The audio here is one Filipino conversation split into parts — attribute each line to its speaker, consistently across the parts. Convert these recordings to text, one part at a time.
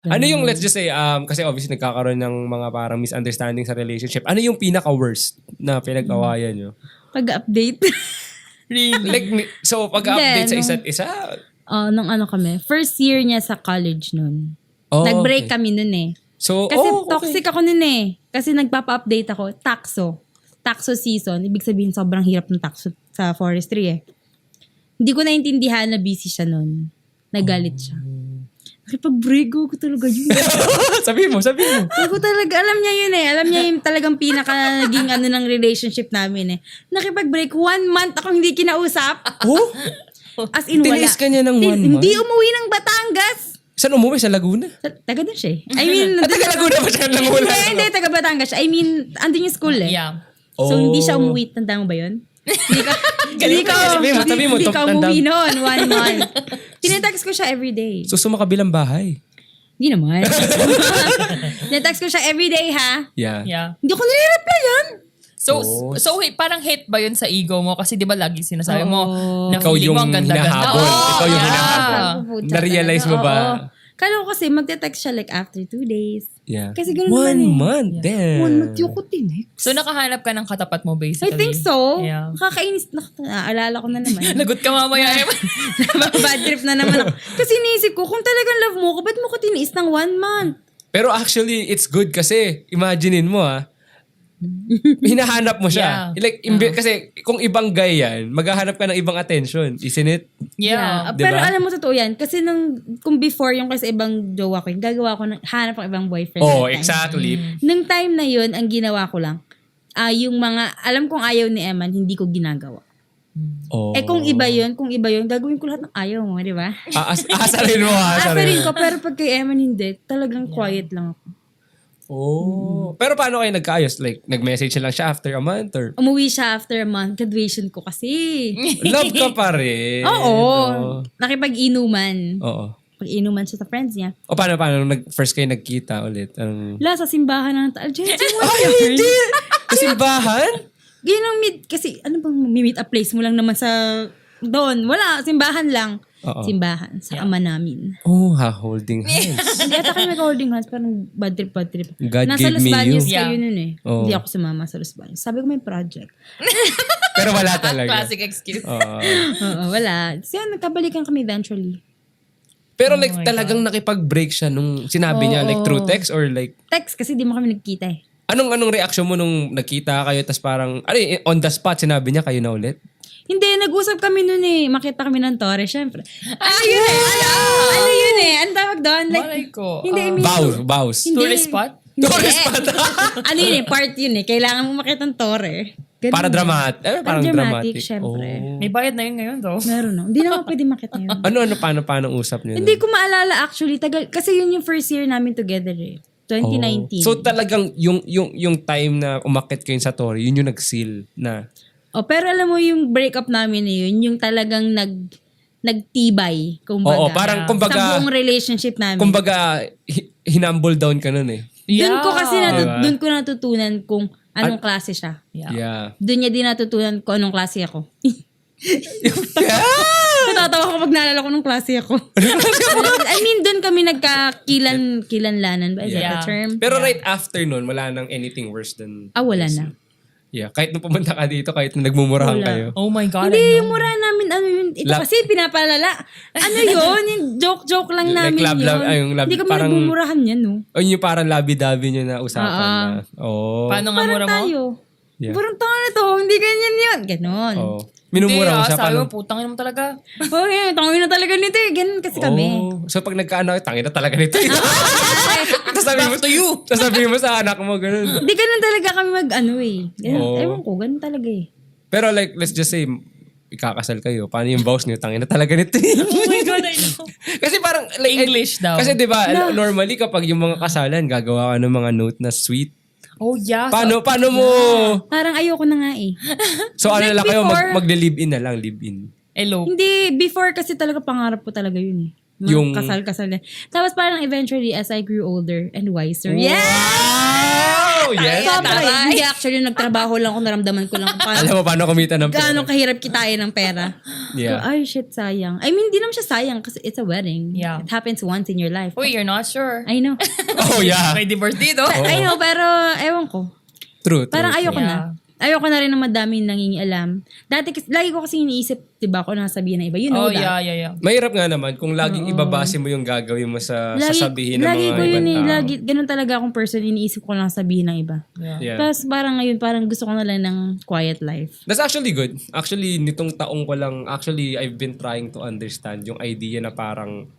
Speaker 1: Ano yung, let's just say, kasi obviously nagkakaroon ng mga parang misunderstanding sa relationship. Ano yung pinaka-worst na pinag-awayan nyo?
Speaker 2: Pag-update.
Speaker 1: Like, so pag-update sa isa't isa?
Speaker 2: Nung ano kami, first year niya sa college nun.
Speaker 1: Oh,
Speaker 2: Nag-break
Speaker 1: okay.
Speaker 2: kami nun eh.
Speaker 1: So,
Speaker 2: Kasi
Speaker 1: okay.
Speaker 2: toxic ako nun eh. Kasi nagpapa-update ako, taxo season. Ibig sabihin sobrang hirap ng taxo sa forestry eh. Hindi ko naintindihan na busy siya nun. Nagalit siya. Nakipag-break ko talaga yun.
Speaker 1: Sabi mo.
Speaker 2: Sabi ko talaga, alam niya yun eh. Alam niya yung talagang pinaka naging ano ng relationship namin eh. Nakipag-break, 1 month akong hindi kinausap.
Speaker 1: Oh?
Speaker 2: As in, wala.
Speaker 1: Tiniis ka niya ng 1 month?
Speaker 2: Hindi umuwi ng Batangas.
Speaker 1: Saan umuwi? Sa Laguna?
Speaker 2: Taga doon siya eh. I mean,
Speaker 1: Taga Laguna ba siya lang wala?
Speaker 2: Hindi, taga Batangas siya. I mean, andun yung school eh.
Speaker 3: Yeah.
Speaker 2: So, hindi siya umuwi. Tanda mo ba yun? Hindi ka
Speaker 1: Sabi mo,
Speaker 2: hindi ka
Speaker 1: tanda.
Speaker 2: umuwi noon, 1 month. Tinetext ko siya everyday.
Speaker 1: So, sumakabilang bahay?
Speaker 2: Hindi naman. Tinetext ko siya everyday ha.
Speaker 1: Yeah.
Speaker 3: Yeah.
Speaker 2: Hindi ko nire-replyan.
Speaker 3: So,
Speaker 1: Oh.
Speaker 3: so parang hate ba yun sa ego mo? Kasi di ba lagi sinasabi mo na
Speaker 1: Ikaw
Speaker 3: feeling
Speaker 1: yung
Speaker 3: mo ang ganda-ganda.
Speaker 1: hinahabol. Ikaw yung hinahabol.
Speaker 2: Puputa
Speaker 1: Na-realize mo
Speaker 2: talaga.
Speaker 1: ba?
Speaker 2: Oo. Kala ko kasi magte-text siya like after 2 days.
Speaker 1: Yeah.
Speaker 2: Kasi ganun
Speaker 1: 1
Speaker 2: naman eh.
Speaker 1: month? Damn.
Speaker 2: 1 month yung ko tinext.
Speaker 3: So, nakahanap ka ng katapat mo
Speaker 2: I
Speaker 3: basically.
Speaker 2: think so.
Speaker 3: Yeah.
Speaker 2: Nakakainis. Naalala ko na naman.
Speaker 3: Lagot ka mamaya.
Speaker 2: Bad trip na naman ako. Kasi iniisip ko, kung talagang love mo ko, ba't mo ko tiniis ng 1 month?
Speaker 1: Pero actually, it's good kasi, imaginein mo hinahanap mo siya.
Speaker 3: Yeah.
Speaker 1: Like, kasi kung ibang guy yan, maghahanap ka ng ibang attention. Isn't it?
Speaker 3: Yeah.
Speaker 1: Diba?
Speaker 2: Pero alam mo, totoo yan. Kasi kung before yung kasi ibang jowa ko, yung gagawa ko, hanap ang ibang boyfriend.
Speaker 1: Oh,
Speaker 2: that time.
Speaker 1: exactly.
Speaker 2: Nung time na yun, ang ginawa ko lang, yung mga, alam kong ayaw ni Eman, hindi ko ginagawa.
Speaker 1: Oh.
Speaker 2: Kung iba yun, gagawin ko lahat ng ayaw mo, di ba?
Speaker 1: Asarin mo,
Speaker 2: Asarin ko, pero pag kay Eman hindi, talagang quiet lang ako.
Speaker 1: Oh. Pero paano kayo nagkaayos? Like, nag-message lang siya after a month or?
Speaker 2: Umuwi siya after a month, graduation ko kasi.
Speaker 1: Love ka pa rin.
Speaker 2: Oo.
Speaker 1: Oh.
Speaker 2: Nakipag-inuman.
Speaker 1: Oo.
Speaker 2: Pag-inuman siya sa friends niya.
Speaker 1: O paano nung first kayo nagkita ulit?
Speaker 2: Wala, sa simbahan ng Jensen,
Speaker 1: Sa simbahan?
Speaker 2: Ganyan ang kasi ano bang meet a place mo lang naman sa doon. Wala, simbahan lang.
Speaker 1: Oo.
Speaker 2: Simbahan sa ama namin.
Speaker 1: Oh, holding hands.
Speaker 2: Hindi ata kami mag-holding hands, parang bad trip.
Speaker 1: God
Speaker 2: Nasa
Speaker 1: gave
Speaker 2: Los
Speaker 1: me
Speaker 2: Baños
Speaker 1: you.
Speaker 2: kayo nun eh.
Speaker 1: Oo.
Speaker 2: Hindi ako sumama sa Los Baños. Sabi ko may project.
Speaker 1: Pero wala talaga.
Speaker 3: Classic excuse.
Speaker 1: Oo.
Speaker 2: Oo, wala. So yun, nagkabalikan kami eventually.
Speaker 1: Pero like talagang nakipag-break siya nung sinabi niya, like through text or like,
Speaker 2: Text kasi di mo kami nagkita eh.
Speaker 1: anong reaction mo nung nagkita kayo tas parang, on the spot sinabi niya kayo na ulit?
Speaker 2: Hindi, nag-usap kami nun eh. Makita kami ng Torre, syempre. Ano yun eh? Ano yun eh? Ano tawag doon? Like,
Speaker 3: Malay ko.
Speaker 2: hindi, I mean,
Speaker 1: Vows.
Speaker 2: Hindi.
Speaker 3: Tourist spot?
Speaker 1: Tourist spot.
Speaker 2: ano yun eh? Part yun eh. Kailangan mo makita ng Torre. Ganun
Speaker 1: Para
Speaker 2: eh.
Speaker 1: dramatic. Parang dramatic.
Speaker 2: syempre.
Speaker 1: Oh.
Speaker 3: May bayad na yun ngayon though.
Speaker 2: Meron no. Hindi naman pwede makita yun.
Speaker 1: Paano usap niyo?
Speaker 2: Hindi ko maalala actually. Kasi yun yung first year namin together eh. 2019.
Speaker 1: So talagang yung time na umakit kayo sa Torre, yun yung nag-seal na.
Speaker 2: Oh, pero alam mo yung breakup namin na yun, yung talagang nagtibay, kumbaga.
Speaker 1: Oo, parang kumbaga,
Speaker 2: sa buong relationship namin.
Speaker 1: kumbaga hinumble down ka nun eh.
Speaker 2: Doon ko kasi
Speaker 1: Diba?
Speaker 2: doon ko natutunan kung anong klase siya.
Speaker 1: Yeah.
Speaker 2: Doon niya din natutunan kung anong klase ako. Natatawa ko pag naalala ko nung klase ako. I mean, doon kami nagkakilanlanan ba? Is that the term?
Speaker 1: Pero right after nun, wala nang anything worse than...
Speaker 2: Wala na.
Speaker 1: Yeah, kahit nung pumunta ka dito, kahit nung nagmumurahan
Speaker 2: Wala.
Speaker 1: kayo.
Speaker 3: Oh my God.
Speaker 2: Hindi,
Speaker 3: I
Speaker 2: yung
Speaker 3: know.
Speaker 2: mura namin, ano yun, ito kasi pinapalala. Ano yun? Yung joke-joke lang
Speaker 1: Like
Speaker 2: namin
Speaker 1: yung
Speaker 2: Hindi kami
Speaker 1: parang-
Speaker 2: nagbumurahan yan, no?
Speaker 1: O yung parang labi-dabi nyo na usapan na. Oh.
Speaker 3: Paano nga mura
Speaker 2: Parang
Speaker 3: mo?
Speaker 2: tayo.
Speaker 1: Yeah.
Speaker 2: Parang tayo na to, hindi ganyan yun. Ganon.
Speaker 1: Oh. Minumura mo siya.
Speaker 3: Sabi
Speaker 1: Paano?
Speaker 3: mo, putang ina mo talaga.
Speaker 2: Okay, tangin na talaga nito eh. Ganon kasi kami.
Speaker 1: Oh. So pag nagkaano, tangin na talaga nito. Sasabihin mo to you. Sasabihin mo sa anak mo, ganun.
Speaker 2: Hindi ganon talaga kami mag-ano eh. Ganon,
Speaker 1: Oh.
Speaker 2: ewan ko, ganon talaga eh.
Speaker 1: Pero like, let's just say, ikakasal kayo. Paano yung vows niyo? Tangin na talaga nito.
Speaker 3: Oh my God, I know.
Speaker 1: Kasi parang, like,
Speaker 3: English daw.
Speaker 1: Kasi di ba normally kapag yung mga kasalan, gagawa ka ng mga note na sweet.
Speaker 3: Oh yeah.
Speaker 1: Paano mo?
Speaker 2: Parang ayoko na nga eh.
Speaker 1: So ano
Speaker 2: Like
Speaker 1: lang kayo,
Speaker 2: before-
Speaker 1: magle-live-in na lang, live-in.
Speaker 3: Elope.
Speaker 2: Hindi, before kasi talaga pangarap ko talaga yun eh. Mga
Speaker 1: Yung-
Speaker 2: kasal-kasal na. Tapos parang eventually as I grew older and wiser.
Speaker 1: Wow! Oh, yes.
Speaker 2: Sobra.
Speaker 3: taray.
Speaker 2: Hindi actually, nagtrabaho lang ako, naramdaman ko lang kung paano,
Speaker 1: Alam mo paano kumita ng pera.
Speaker 2: gaano kahirap kitain ng pera.
Speaker 1: Yeah.
Speaker 2: So, ay, shit, sayang. I mean, hindi naman siya sayang kasi it's a wedding.
Speaker 3: Yeah.
Speaker 2: It happens once in your life.
Speaker 3: Uy, you're not sure.
Speaker 2: I know.
Speaker 1: Oh, yeah.
Speaker 3: May divorce dito.
Speaker 2: I know, pero ewan ko.
Speaker 1: True.
Speaker 2: Parang ayoko
Speaker 3: Yeah.
Speaker 2: na. Ayoko na rin ng madaming nangingialam. Dati, lagi ko kasi iniisip, diba, ako nasabihin ng iba. You know
Speaker 3: Oh,
Speaker 2: that.
Speaker 3: yeah.
Speaker 1: Mahirap nga naman kung laging ibabase mo yung gagawin mo sa sasabihin ng
Speaker 2: lagi
Speaker 1: mga
Speaker 2: ko yun
Speaker 1: ibang tao.
Speaker 2: Lagi, ganun talaga akong person, iniisip ko lang sabihin ng iba.
Speaker 1: Yeah.
Speaker 2: Tapos parang ngayon, parang gusto ko na lang ng quiet life.
Speaker 1: That's actually good. Actually, nitong taong ko lang, actually, I've been trying to understand yung idea na parang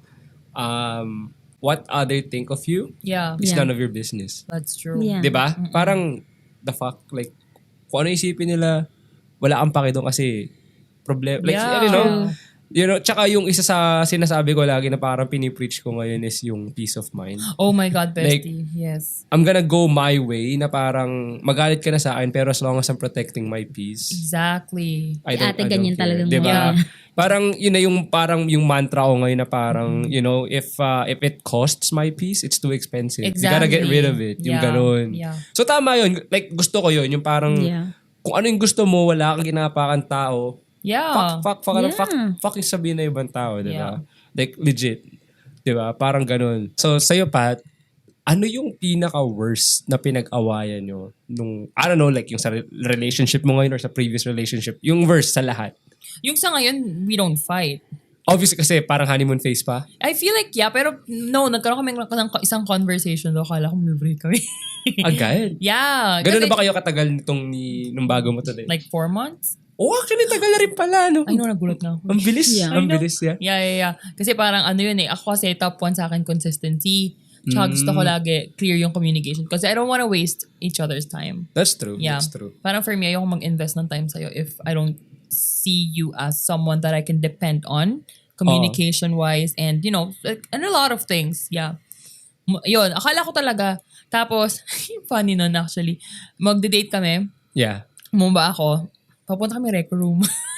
Speaker 1: what other think of you
Speaker 3: Yeah.
Speaker 1: is
Speaker 2: Yeah.
Speaker 1: none of your business.
Speaker 3: That's true.
Speaker 2: Yeah.
Speaker 1: 'Di ba? Parang, the fuck, like, kung ano isipin nila, wala kang pake doon kasi problem. Like,
Speaker 3: Yeah.
Speaker 1: you know, tsaka yung isa sa sinasabi ko lagi na parang pinipreach ko ngayon is yung peace of mind.
Speaker 3: Oh my God, bestie. Yes.
Speaker 1: I'm gonna go my way na parang magalit ka na sa akin pero as long as I'm protecting my peace,
Speaker 3: Exactly.
Speaker 1: I don't,
Speaker 2: Ate,
Speaker 1: I don't
Speaker 2: ganyan
Speaker 1: care.
Speaker 2: talagang
Speaker 1: Diba?
Speaker 3: mga-
Speaker 1: Parang yun na yung parang yung mantra ko ngayon na parang, you know, if it costs my peace, it's too expensive. You gotta get
Speaker 3: Exactly.
Speaker 1: rid of it. Yung
Speaker 3: Yeah.
Speaker 1: ganun.
Speaker 3: Yeah.
Speaker 1: So tama yun. Like gusto ko yun. Yung parang
Speaker 2: Yeah.
Speaker 1: kung ano yung gusto mo, wala kang ginapakan tao.
Speaker 3: Yeah.
Speaker 1: Fuck,
Speaker 2: Yeah.
Speaker 1: fucking sabihin na ibang tao, di ba?
Speaker 3: Yeah.
Speaker 1: Like legit. Di ba? Parang ganun. So sa'yo, Pat, ano yung pinaka-worst na pinag-awayan nyo nung, I don't know, like yung sa relationship mo ngayon or sa previous relationship? Yung worst sa lahat.
Speaker 3: Yung sa ngayon, we don't fight.
Speaker 1: Obviously kasi parang honeymoon phase pa.
Speaker 3: I feel like, yeah, pero no, nagkaroon kami ng isang conversation do. Kala ko may break kami.
Speaker 1: Agad.
Speaker 3: Yeah.
Speaker 1: Ganun
Speaker 3: kasi-
Speaker 1: na ba kayo katagal nung bago mo today?
Speaker 3: Like 4 months?
Speaker 1: Oh, actually tagal na rin pala, no?
Speaker 3: I know, nagulat na ako.
Speaker 1: Ang bilis.
Speaker 2: Yeah.
Speaker 1: Ang
Speaker 3: I know.
Speaker 1: bilis, yeah.
Speaker 3: Yeah. Kasi parang ano yun eh. Ako kasi top 1 sa akin consistency. Tsaka gusto ko lagi clear yung communication. Kasi I don't wanna waste each other's time.
Speaker 1: That's true.
Speaker 3: Yeah.
Speaker 1: That's true.
Speaker 3: Parang for me, ayoko mag-invest ng time sa'yo if I don't see you as someone that I can depend on communication-wise and, you know, like, and a lot of things. Yeah. Yun, akala ko talaga. Tapos, funny nun actually. Magde-date kami.
Speaker 1: Yeah.
Speaker 3: Mumba ako. Papunta kami rec room.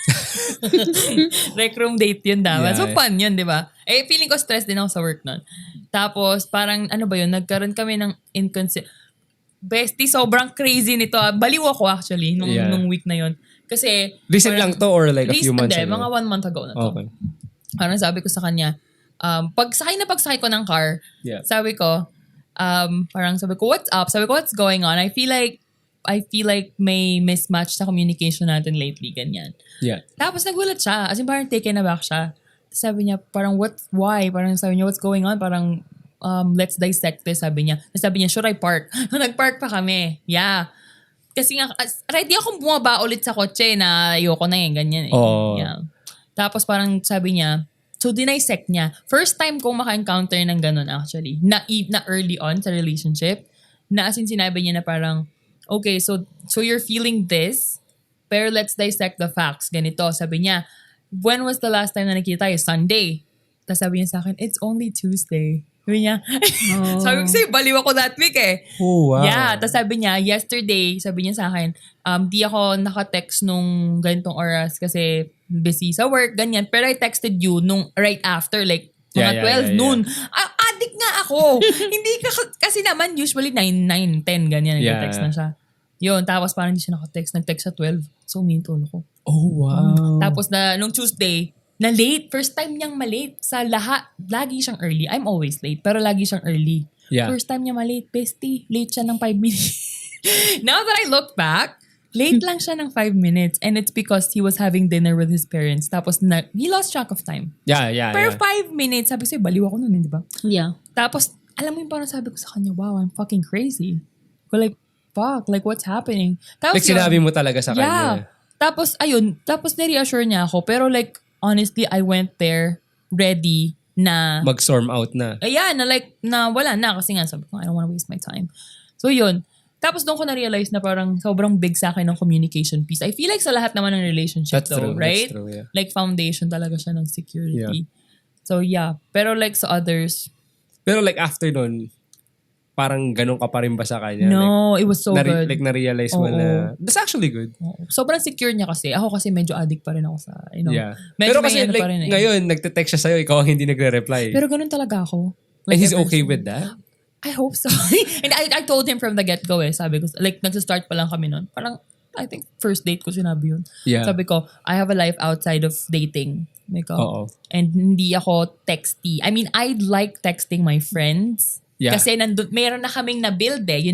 Speaker 3: Rec room date yun dapat.
Speaker 1: Yeah.
Speaker 3: So fun yun, di ba? Eh, feeling ko stress din ako sa work nun. Tapos, parang, ano ba yun, nagkaroon kami ng Bestie, sobrang crazy nito. Baliw ako actually
Speaker 1: Yeah.
Speaker 3: nung week na yun. Kasi,
Speaker 1: Recent lang to or like a few months
Speaker 3: hindi,
Speaker 1: ago?
Speaker 3: mga 1 month ago na to.
Speaker 1: Okay.
Speaker 3: Parang sabi ko sa kanya, pagsakay ko ng car,
Speaker 1: Yeah.
Speaker 3: sabi ko, parang sabi ko, what's up? Sabi ko, what's going on? I feel like may mismatch sa communication natin lately, ganyan.
Speaker 1: Yeah.
Speaker 3: Tapos nagulat siya. As in, parang taken aback siya. Tapos sabi niya, parang why? Parang sabi niya, what's going on? Parang, let's dissect this, sabi niya. Tapos sabi niya, should I park? Nag-park pa kami. Yeah. Kasi nga, ready akong bumaba ulit sa kotse na ayoko na ganyan eh.
Speaker 1: Oo.
Speaker 3: Yeah. Tapos parang sabi niya, so dinisect niya. First time kong maka-encounter ng ganun actually. Na early on sa relationship. Na as in sinabi niya na parang, okay, so you're feeling this, pero let's dissect the facts. Ganito, sabi niya, when was the last time na nakita tayo? Sunday. Tapos sabi niya sa akin, it's only Tuesday. Sabi niya, sabi ko sa'yo, baliw ako that week eh.
Speaker 1: Oh, wow.
Speaker 3: Yeah, tapos sabi niya, yesterday, sabi niya sa akin, di ako naka-text nung ganitong oras kasi busy sa work, ganyan. Pero I texted you nung right after, like, mga 12 noon. Addict nga ako. Hindi ka, kasi naman, usually 9, 10, ganyan, nag-text na siya. Yun, tapos parang hindi siya naka-text. Nag-text sa 12. So, umintulo ko.
Speaker 1: Oh, wow.
Speaker 3: Tapos nung Tuesday, na late. First time niyang malate sa lahat. Lagi siyang early. I'm always late, pero lagi siyang early.
Speaker 1: Yeah.
Speaker 3: First time niya malate, bestie. Late siya ng 5 minutes. Now that I look back, late lang siya ng 5 minutes and it's because he was having dinner with his parents. Tapos he lost track of time.
Speaker 1: Yeah.
Speaker 3: Pero 5 minutes, sabi ko sa'yo, baliw ako nun, di ba?
Speaker 2: Yeah.
Speaker 3: Tapos, alam mo yung parang sabi ko sa kanya, wow, I'm fucking crazy. Ko like, fuck, like what's happening? Tapos
Speaker 1: Like sinabi mo talaga sa kanya.
Speaker 3: Tapos, ayun, ni-reassure niya ako. Pero like, honestly, I went there ready na,
Speaker 1: Mag-storm out na.
Speaker 3: ayan, na like, na wala na. Kasi nga, sabi ko, I don't wanna waste my time. So, yun. Tapos doon ko na-realize na parang sobrang big sa akin ng communication piece. I feel like sa lahat naman ng relationship
Speaker 1: That's
Speaker 3: though,
Speaker 1: true.
Speaker 3: right?
Speaker 1: That's true, yeah.
Speaker 3: Like, foundation talaga siya ng security.
Speaker 1: Yeah.
Speaker 3: So, yeah. Pero like sa others,
Speaker 1: Pero like after nun, parang ganun ka pa rin ba sa kanya?
Speaker 3: no, it was so good.
Speaker 1: Like na-realize mo
Speaker 3: Oo.
Speaker 1: na, that's actually good.
Speaker 3: Oo. Sobrang secure niya kasi. Ako kasi medyo addict pa rin ako sa, you know.
Speaker 1: Yeah.
Speaker 3: Medyo
Speaker 1: Pero
Speaker 3: may
Speaker 1: kasi
Speaker 3: ano
Speaker 1: like,
Speaker 3: pa rin eh.
Speaker 1: ngayon, nagte-text siya sa'yo, ikaw ang hindi nagre-reply.
Speaker 3: Pero ganun talaga ako.
Speaker 1: And
Speaker 3: Like,
Speaker 1: he's
Speaker 3: ever
Speaker 1: okay
Speaker 3: since.
Speaker 1: with that?
Speaker 3: I hope so. And I told him from the get-go sabi ko, like, nagsa-start pa lang kami nun. Parang, I think, first date ko sinabi yun.
Speaker 1: Yeah.
Speaker 3: Sabi ko, I have a life outside of dating. Sabi ko,
Speaker 1: Oo.
Speaker 3: and hindi ako texty. I mean, I like texting my friends.
Speaker 1: Yeah.
Speaker 3: Kasi meron na kaming na-build Like,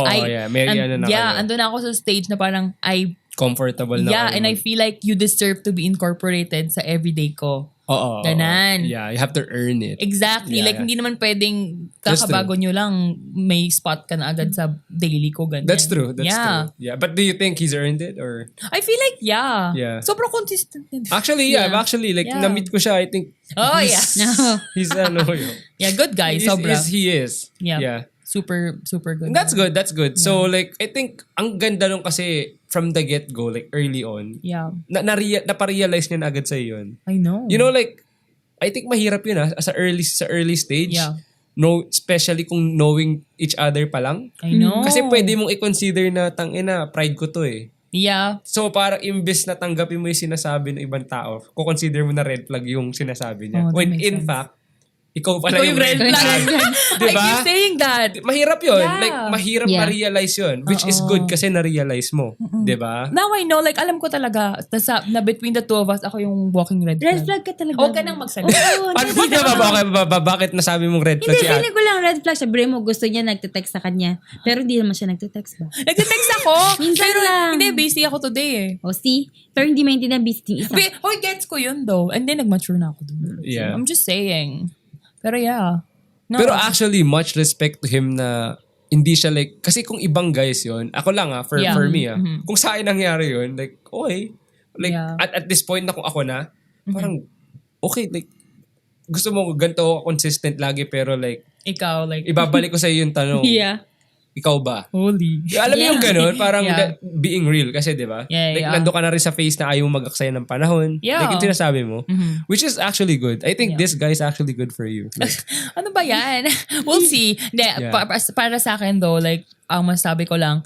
Speaker 3: andun na ako sa stage na parang,
Speaker 1: Comfortable na.
Speaker 3: and I feel like you deserve to be incorporated sa everyday ko.
Speaker 1: Oo.
Speaker 3: Ganan.
Speaker 1: Yeah, you have to earn it.
Speaker 3: Exactly.
Speaker 1: Yeah,
Speaker 3: Hindi naman pwedeng
Speaker 1: That's
Speaker 3: kakabago nyo lang, may spot ka na agad sa daily ko. Ganyan.
Speaker 1: That's true. That's true. Yeah. But do you think he's earned it or?
Speaker 3: I feel like,
Speaker 1: Yeah.
Speaker 3: sobrang consistent.
Speaker 1: Actually, yeah. Actually, like,
Speaker 3: Yeah.
Speaker 1: na-meet ko siya, I think.
Speaker 3: Oh,
Speaker 1: He's yun.
Speaker 3: Yeah, good guy. Sobra.
Speaker 1: He is.
Speaker 3: Yeah. Super, super good.
Speaker 1: That's good. That's good. So, like, I think, ang ganda nung kasi from the get-go, like, early on,
Speaker 3: Yeah.
Speaker 1: naparealize niya na agad sa'yo yun.
Speaker 3: I know.
Speaker 1: You know, like, I think mahirap yun sa early stage.
Speaker 3: Yeah.
Speaker 1: No, especially kung knowing each other pa lang.
Speaker 3: I know.
Speaker 1: Kasi pwede mong i-consider na pride ko to eh.
Speaker 3: Yeah.
Speaker 1: So parang imbes na tanggapin mo yung sinasabi ng ibang tao, kukonsider mo na red flag yung sinasabi niya.
Speaker 3: Oh, that
Speaker 1: When
Speaker 3: makes
Speaker 1: in
Speaker 3: sense.
Speaker 1: fact, ikaw pala yung red
Speaker 3: flag.
Speaker 1: flag.
Speaker 3: I
Speaker 1: Diba?
Speaker 3: keep saying that.
Speaker 1: Mahirap yun.
Speaker 3: Yeah.
Speaker 1: Like, mahirap
Speaker 2: Yeah.
Speaker 1: ma-realize yun. Which is good kasi na-realize mo. Diba?
Speaker 3: Now I know, like, alam ko talaga, na between the two of us, ako yung walking red flag.
Speaker 2: Red flag ka talaga.
Speaker 3: Huwag ka nang magsalita.
Speaker 2: Oo,
Speaker 1: Paano
Speaker 2: hindi
Speaker 1: ba? Bakit nasabi mong red flag
Speaker 2: Hindi,
Speaker 1: si Ate?
Speaker 2: feeling ko lang red flag. Sabi mo, gusto niya nagte-text sa kanya. Pero hindi naman siya nagte-text ba?
Speaker 3: Nagte-text ako.
Speaker 2: Minsan
Speaker 3: pero
Speaker 2: lang.
Speaker 3: hindi, busy ako today
Speaker 2: O see? Pero hindi maintindihan busy yung isa.
Speaker 3: Gets ko yun though. And then nag-mature na ako dun.
Speaker 1: Yeah.
Speaker 3: I'm just saying. Pero yeah. No.
Speaker 1: Pero actually, much respect to him na hindi siya like, kasi kung ibang guys yon ako lang for me kung sa akin nangyari yun, like, okay. Like,
Speaker 3: Yeah.
Speaker 1: at this point na kung ako na, parang, okay, like, gusto mo ganito consistent lagi, pero like,
Speaker 3: Ikaw, like,
Speaker 1: ibabalik ko sa iyo yung tanong,
Speaker 2: Yeah.
Speaker 1: ikaw ba?
Speaker 3: holy.
Speaker 1: Alam mo yung ganun, parang
Speaker 3: Yeah.
Speaker 1: being real kasi, di ba?
Speaker 3: Yeah,
Speaker 1: like,
Speaker 3: yeah.
Speaker 1: nando ka na rin sa face na ayaw mo mag-aksaya ng panahon.
Speaker 3: Yeah.
Speaker 1: Like, yung sinasabi mo. Which is actually good. I think this guy is actually good for you. Like,
Speaker 3: Ano ba yan? We'll see. Hindi,
Speaker 1: Yeah.
Speaker 3: para sa akin though, like, ang masabi ko lang,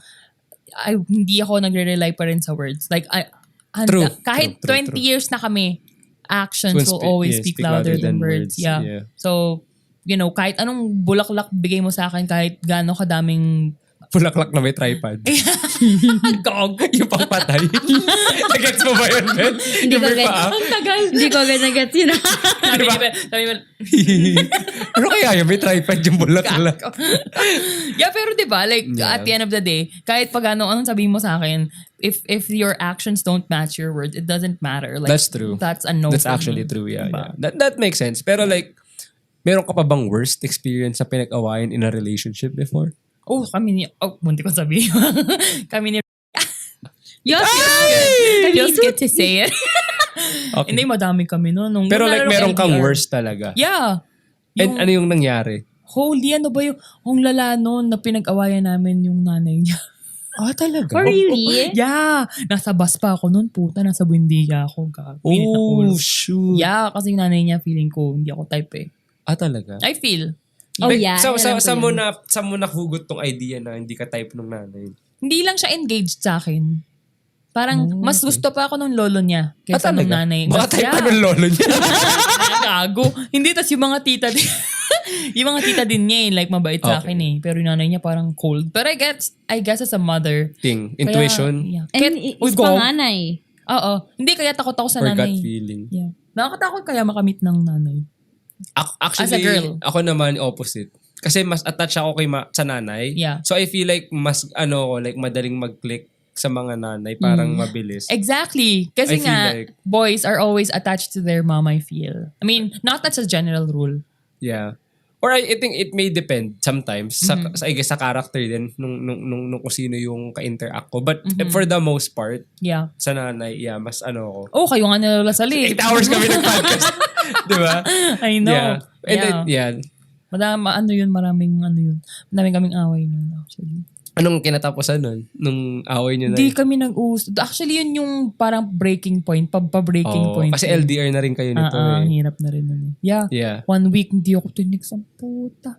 Speaker 3: hindi ako nagre-rely pa rin sa words. Like,
Speaker 1: True.
Speaker 3: Kahit
Speaker 1: True,
Speaker 3: 20
Speaker 1: true.
Speaker 3: years na kami, actions
Speaker 1: Will
Speaker 3: will always speak louder than words. Yeah.
Speaker 1: Yeah.
Speaker 3: So, you know, kahit anong bulaklak bigay mo sa akin, kahit gaano kadaming
Speaker 1: Bulaklak na may tripod.
Speaker 3: gog.
Speaker 1: Yung pangpatay. Nagets mo ba yun, Ben?
Speaker 2: Hindi
Speaker 1: Yung
Speaker 2: ko
Speaker 1: may
Speaker 2: agad.
Speaker 1: paa?
Speaker 3: Ang tagal.
Speaker 2: Hindi ko agad nag-gets yun.
Speaker 3: Sabi mo,
Speaker 1: Ano kaya yun? May tripod yung bulaklak.
Speaker 3: yeah, pero diba, like,
Speaker 1: Yeah.
Speaker 3: at the end of the day, kahit pag anong sabihin mo sa akin, if your actions don't match your words, it doesn't matter. Like,
Speaker 1: That's true.
Speaker 3: That's a no
Speaker 1: That's
Speaker 3: for
Speaker 1: actually
Speaker 3: me.
Speaker 1: true, yeah.
Speaker 3: Diba?
Speaker 1: Yeah. That makes sense. Pero like, meron ka pa bang worst experience na pinag-awayan in a relationship before?
Speaker 3: Oh, munti ko sabihin. kami ni
Speaker 2: Yes,
Speaker 3: Feels good to say it.
Speaker 1: Okay.
Speaker 3: Hindi, madami kami no. Nung
Speaker 1: Pero like,
Speaker 3: nung
Speaker 1: meron kang
Speaker 3: LDR.
Speaker 1: worst talaga.
Speaker 3: Yeah.
Speaker 1: And ano yung nangyari?
Speaker 3: Holy, ano ba yung lala noon na pinag-awayan namin yung nanay niya.
Speaker 1: Ah, talaga?
Speaker 2: Oh, really?
Speaker 3: Yeah. Nasa bus pa ako noon, puta. Nasa Buendia ako. Pilit na
Speaker 1: Oh,
Speaker 3: ulo.
Speaker 1: shoot.
Speaker 3: Yeah, kasi yung nanay niya, feeling ko, hindi ako type eh.
Speaker 1: Ah, talaga?
Speaker 3: I feel.
Speaker 2: Oh,
Speaker 1: Like,
Speaker 2: yeah.
Speaker 1: Sa
Speaker 2: alam ko yun.
Speaker 1: mo nahugot tong idea na hindi ka type nung nanay?
Speaker 3: Hindi lang siya engaged sa akin. Parang, mas gusto pa ako nung lolo niya kaysa nung nanay.
Speaker 1: Baka type
Speaker 3: Yeah.
Speaker 1: pa nung lolo niya.
Speaker 3: Gago. Hindi, tas yung mga tita din. yung mga tita din niya like mabait sa akin eh. Pero yung nanay niya parang cold. But I guess as a mother.
Speaker 1: Thing. Intuition.
Speaker 3: Kaya, yeah.
Speaker 2: And is panganay.
Speaker 3: Oo. Hindi, kaya takot ako sa
Speaker 1: Or
Speaker 3: nanay.
Speaker 1: gut feeling.
Speaker 3: Yeah. Nakakatakot kaya makamit ng nanay.
Speaker 1: Actually,
Speaker 3: As a girl.
Speaker 1: ako naman opposite. Kasi mas attached ako sa nanay.
Speaker 3: Yeah.
Speaker 1: So I feel like mas like madaling mag-click sa mga nanay, parang mabilis.
Speaker 3: Exactly.
Speaker 1: I
Speaker 3: Kasi
Speaker 1: feel
Speaker 3: nga,
Speaker 1: like-
Speaker 3: boys are always attached to their mom, I feel. I mean, not that's a general rule.
Speaker 1: Yeah. Or I think it may depend sometimes
Speaker 3: Mm-hmm.
Speaker 1: I guess sa character din nung kung sino yung ka-interact ko. But
Speaker 3: Mm-hmm.
Speaker 1: for the most part,
Speaker 3: Yeah.
Speaker 1: sa nanay, yeah, mas ako.
Speaker 3: Oh, kayo nga nalalasali.
Speaker 1: 8 hours kami nag-podcast. Di ba?
Speaker 3: I know.
Speaker 1: Yeah. And then, yeah.
Speaker 3: Maraming kaming away nun, actually.
Speaker 1: Anong kinatapusan nun? Nung away nyo na
Speaker 3: Hindi
Speaker 1: yun?
Speaker 3: kami nag-uus. Actually, yun yung parang breaking point. Pa-breaking point.
Speaker 1: Kasi LDR na rin kayo nito
Speaker 3: Ang
Speaker 1: eh.
Speaker 3: hirap na rin nun eh. Yeah.
Speaker 1: Yeah.
Speaker 3: 1 week, hindi ako tinig sa puta.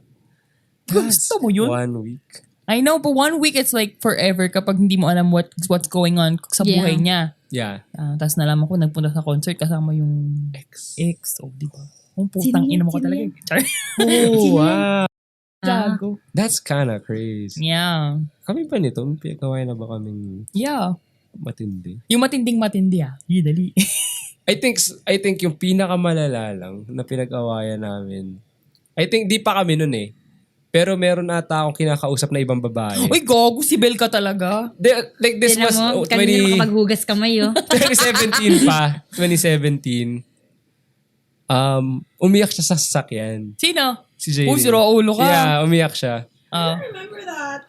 Speaker 3: Gusto mo yun?
Speaker 1: 1 week.
Speaker 3: I know, but 1 week, it's like forever kapag hindi mo alam what's going on sa
Speaker 2: Yeah.
Speaker 3: buhay niya.
Speaker 1: Yeah.
Speaker 3: Tapos nalaman ko, nagpunta sa concert kasama yung
Speaker 1: Ex.
Speaker 3: ex. Oh, di ba? Ang putang
Speaker 2: Sino
Speaker 3: ina mo ko
Speaker 2: yan?
Speaker 3: talaga.
Speaker 2: Sino yan?
Speaker 3: Char.
Speaker 1: Oh, wow.
Speaker 3: Gago.
Speaker 1: That's kinda crazy.
Speaker 3: Yeah.
Speaker 1: Kami pa nito, may pinagawa na ba kaming
Speaker 3: Yeah.
Speaker 1: matindi?
Speaker 3: Yung matinding-matindi dali.
Speaker 1: I think yung pinakamalala lang na pinag-awayan namin. I think di pa kami nun eh. Pero meron ata akong kinakausap na ibang babae.
Speaker 3: Uy, gago, si Bel ka talaga.
Speaker 1: Like this
Speaker 2: Tinan
Speaker 1: was
Speaker 2: mo, kanina makapaghugas kamay,
Speaker 1: 2017 pa. 2017. Umiyak siya sa sasakyan.
Speaker 3: Sino?
Speaker 1: Si JD.
Speaker 3: Oh, sira ulo ka.
Speaker 1: Yeah, umiyak siya.
Speaker 4: Remember that.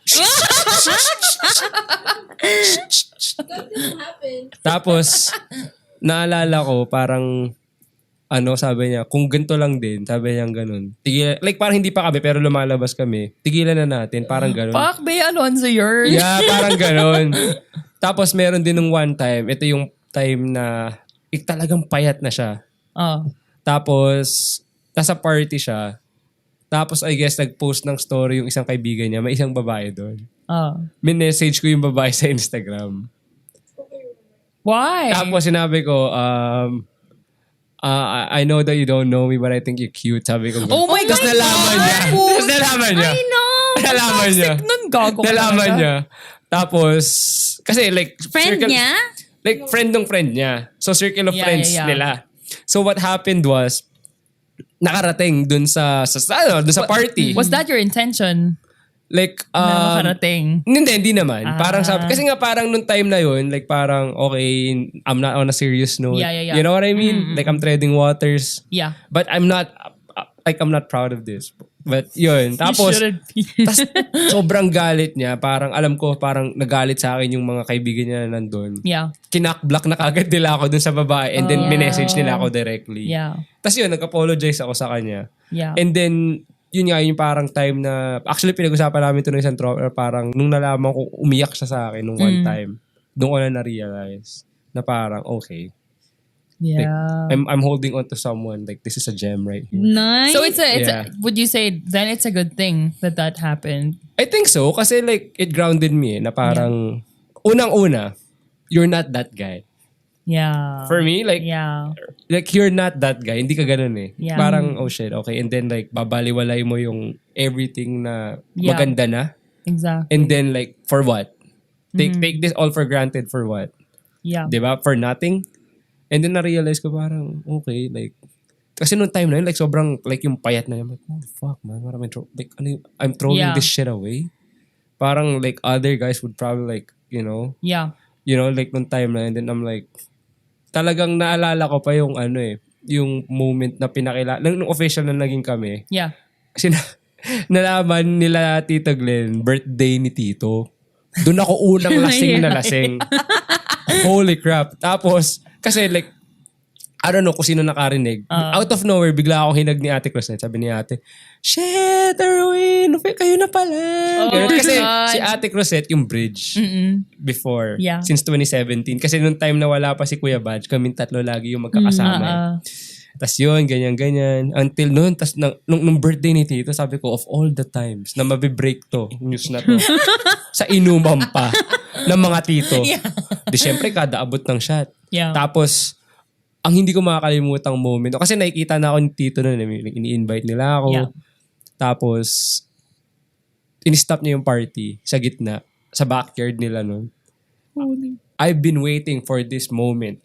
Speaker 4: That didn't happen.
Speaker 1: Tapos, naalala ko, parang, sabi niya, kung ganito lang din, sabi niya ganun. Tigilan, like parang hindi pa kami, pero lumalabas kami. Tigilan na natin, parang ganun.
Speaker 3: Fuck, Bea Alonzo, you're...
Speaker 1: Yeah, parang ganun. Tapos meron din nung one time, ito yung time na talagang payat na siya. Tapos, nasa party siya. Tapos, I guess, nag-post ng story yung isang kaibigan niya. May isang babae doon. Min-message ko yung babae sa Instagram.
Speaker 3: Why?
Speaker 1: Tapos, sinabi ko, I know that you don't know me, but I think you're cute. Sabi ko.
Speaker 3: Oh my God!
Speaker 1: Tapos nalaman niya. Tapos nalaman niya.
Speaker 3: I know!
Speaker 1: Nalaman niya.
Speaker 3: Toxic nun, gago ka
Speaker 1: Nalaman
Speaker 3: talaga.
Speaker 1: niya. Tapos, kasi like...
Speaker 2: Friend niya?
Speaker 1: Like, friend ng friend niya. So, circle of friends nila. So, what happened was, nakarating dun sa party.
Speaker 3: Was that your intention?
Speaker 1: Like,
Speaker 3: Na makarating?
Speaker 1: hindi naman. Parang sabi, kasi nga parang nung time na yun, like parang, okay, I'm not on a serious note.
Speaker 3: Yeah.
Speaker 1: You know what I mean? Like, I'm treading waters.
Speaker 3: Yeah.
Speaker 1: But I'm not proud of this. But yun. Tapos,
Speaker 3: You shouldn't be.
Speaker 1: tas, sobrang galit niya. Parang, alam ko, parang nagalit sa akin yung mga kaibigan niya na nandun.
Speaker 3: Yeah.
Speaker 1: Kinak-block na kagad nila ako dun sa babae and then minessage nila ako directly.
Speaker 3: Yeah.
Speaker 1: Tapos yun, nag-apologize ako sa kanya.
Speaker 3: Yeah.
Speaker 1: And then, yun nga, yung parang time na, actually pinag-usapan namin ito ng isang tropa, parang nung nalaman ko, umiyak siya sa akin nung one time. Doon ko na na-realize na parang, okay. Like,
Speaker 3: Yeah.
Speaker 1: I'm holding on to someone. Like, this is a gem right here.
Speaker 2: Nice.
Speaker 3: So it's
Speaker 1: Yeah.
Speaker 3: would you say then it's a good thing that happened?
Speaker 1: I think so. Kasi like, it grounded me na parang, unang-una, you're not that guy.
Speaker 3: Yeah.
Speaker 1: For me, like,
Speaker 3: Yeah.
Speaker 1: like you're not that guy. Hindi ka ganun eh.
Speaker 3: Yeah.
Speaker 1: Parang, oh shit, okay. And then like, babaliwalay mo yung everything na
Speaker 3: Yeah.
Speaker 1: maganda na.
Speaker 3: Exactly.
Speaker 1: And then like, for what? Take this all for granted for what?
Speaker 3: Yeah.
Speaker 1: Diba? For nothing? And then na-realize ko parang, okay, like, kasi nung time na yun, like, sobrang, like, yung payat na yun, like, oh, fuck, man, parang, I'm throwing
Speaker 3: Yeah.
Speaker 1: this shit away. Parang, like, other guys would probably, like,
Speaker 3: Yeah.
Speaker 1: like, nung time na yun, then I'm like, talagang naalala ko pa yung, yung moment na nung official na naging kami,
Speaker 3: Yeah.
Speaker 1: kasi nalaman nila Tito Glenn, birthday ni Tito. Doon ako unang lasing na lasing. Holy crap. Tapos, kasi like, I don't know kung sino nakarinig. Out of nowhere, bigla akong hinag ni Ate Crosette. Sabi ni Ate, shit, Erwin, kayo na pala.
Speaker 3: Oh my
Speaker 1: Kasi
Speaker 3: God.
Speaker 1: si Ate Crosette yung bridge before,
Speaker 3: Yeah.
Speaker 1: since 2017. Kasi nung time na wala pa si Kuya Badge, kaming tatlo lagi yung magkakasama. Tas yun, ganyan-ganyan. Until noon, tas nung birthday ni Tito, sabi ko, of all the times na mabibreak to, news na to, sa inuman pa ng mga tito.
Speaker 3: Yeah.
Speaker 1: Di syempre, kada abot ng shot.
Speaker 3: Yeah.
Speaker 1: Tapos, ang hindi ko makakalimutang moment, kasi nakikita na ako ni Tito noon, ini-invite nila ako.
Speaker 3: Yeah.
Speaker 1: Tapos, in-stop niya yung party sa gitna, sa backyard nila noon. I've been waiting for this moment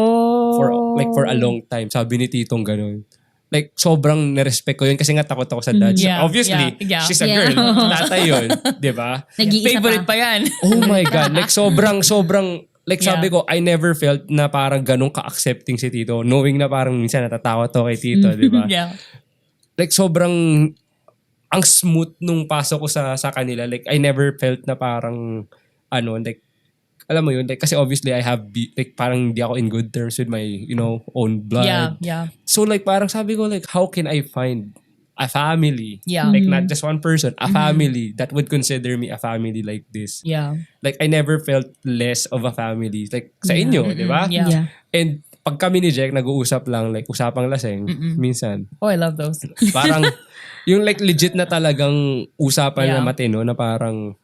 Speaker 1: for a long time. Sabi ni Titong ganun. Like, sobrang nirespect ko yun kasi nga takot ako sa dad. So,
Speaker 3: Yeah,
Speaker 1: obviously,
Speaker 3: yeah.
Speaker 1: she's a
Speaker 2: Yeah.
Speaker 1: girl. Tatay yun. Diba?
Speaker 2: Nag-iisa
Speaker 3: Favorite
Speaker 2: pa.
Speaker 3: pa yan.
Speaker 1: Oh my God. Like, sobrang, like
Speaker 3: Yeah.
Speaker 1: sabi ko, I never felt na parang ganun ka-accepting si Tito. Knowing na parang minsan natatakot ako kay Tito, diba?
Speaker 3: Yeah.
Speaker 1: Like, sobrang, ang smooth nung pasok ko sa kanila. Like, I never felt na parang, like, alam mo yun, like, kasi obviously I have, like, parang hindi ako in good terms with my, own blood.
Speaker 3: Yeah. Yeah.
Speaker 1: So, like, parang sabi ko, like, how can I find a family?
Speaker 3: Yeah.
Speaker 1: Like, not just one person, a family that would consider me a family like this.
Speaker 3: Yeah.
Speaker 1: Like, I never felt less of a family. Like, sa inyo, di ba?
Speaker 3: Yeah.
Speaker 2: Yeah.
Speaker 1: And pag kami ni Jack, nag-uusap lang, like, usapang laseng, minsan.
Speaker 3: Oh, I love those.
Speaker 1: Parang, yung like legit na talagang usapan na
Speaker 3: Yeah.
Speaker 1: matino na parang,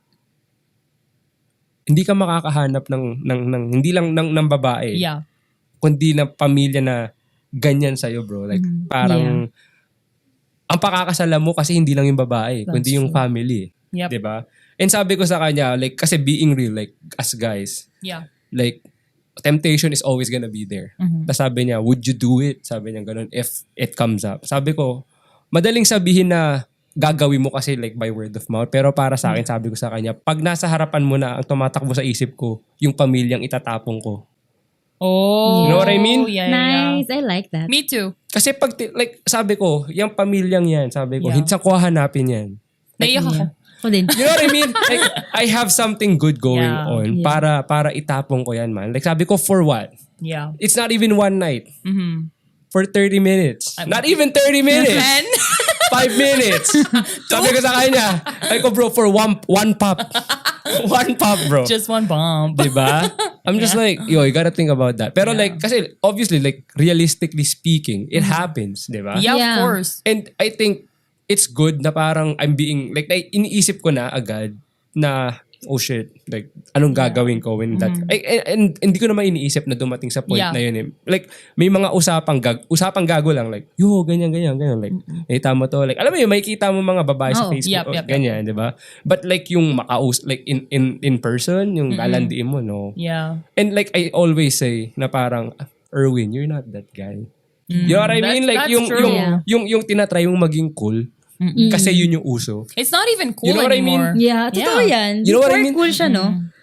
Speaker 1: hindi ka makakahanap ng hindi lang ng babae,
Speaker 3: Yeah.
Speaker 1: kundi ng pamilya na ganyan sa'yo, bro. Like, parang, ang pakakasala mo kasi hindi lang yung babae,
Speaker 3: That's
Speaker 1: kundi yung
Speaker 3: true.
Speaker 1: family.
Speaker 3: Yep.
Speaker 1: 'Di ba? And sabi ko sa kanya, like, kasi being real, like, as guys,
Speaker 3: Yeah.
Speaker 1: like, temptation is always gonna be there. Tapos sabi niya, would you do it? Sabi niya ganun, if it comes up. Sabi ko, madaling sabihin na gagawin mo kasi like by word of mouth. Pero para sa akin, sabi ko sa kanya, pag nasa harapan mo na, ang tumatakbo sa isip ko, yung pamilyang itatapong ko.
Speaker 3: Oh.
Speaker 1: You know what I mean?
Speaker 3: Yeah, yeah.
Speaker 2: Nice. I like that.
Speaker 3: Me too.
Speaker 1: Kasi pag, like, sabi ko, yung pamilyang yan, sabi ko,
Speaker 3: Yeah.
Speaker 1: hindi sa ko hanapin yan.
Speaker 3: Naiyak ako.
Speaker 2: Ako din.
Speaker 1: You know what I mean? Like, I have something good going
Speaker 3: Yeah.
Speaker 1: on
Speaker 2: Yeah.
Speaker 1: para itapong ko yan, man. Like, sabi ko, for what?
Speaker 3: Yeah.
Speaker 1: It's not even one night.
Speaker 3: Mm-hmm.
Speaker 1: For 30 minutes. Not even 30 minutes.
Speaker 3: And
Speaker 1: 5 minutes. Sabi ko sa kanya, ay ko bro, for one pop. One pop, bro.
Speaker 3: just one bump.
Speaker 1: Diba? I'm just like, yo, you gotta think about that. Pero like, kasi obviously, like, realistically speaking, it happens, diba?
Speaker 3: Yeah,
Speaker 2: Yeah.
Speaker 3: of course.
Speaker 1: And I think it's good na parang I'm being, like, iniisip ko na agad na, oh shit, like, anong gagawin ko when that, and hindi ko naman iniisip na dumating sa point
Speaker 3: Yeah.
Speaker 1: na yun eh. Like, may mga usapang gago lang, like, yo, ganyan, like, nakita mo to, like, alam mo yun, makikita mo mga babae sa
Speaker 2: Oh,
Speaker 1: Facebook,
Speaker 3: yep.
Speaker 1: ganyan, di ba? But like, yung like, in person, yung lalandiin mo, no?
Speaker 3: Yeah.
Speaker 1: And like, I always say, na parang, Erwin, you're not that guy. You know what I mean? Like,
Speaker 3: That's
Speaker 1: yung,
Speaker 3: true.
Speaker 1: yung tinatry mong maging cool, kasi yun yung uso.
Speaker 3: It's not even cool
Speaker 1: You know what I
Speaker 3: anymore.
Speaker 1: mean?
Speaker 2: Yeah, totoo yan.
Speaker 1: You know what I
Speaker 2: Before
Speaker 1: mean?
Speaker 2: cool siya, no?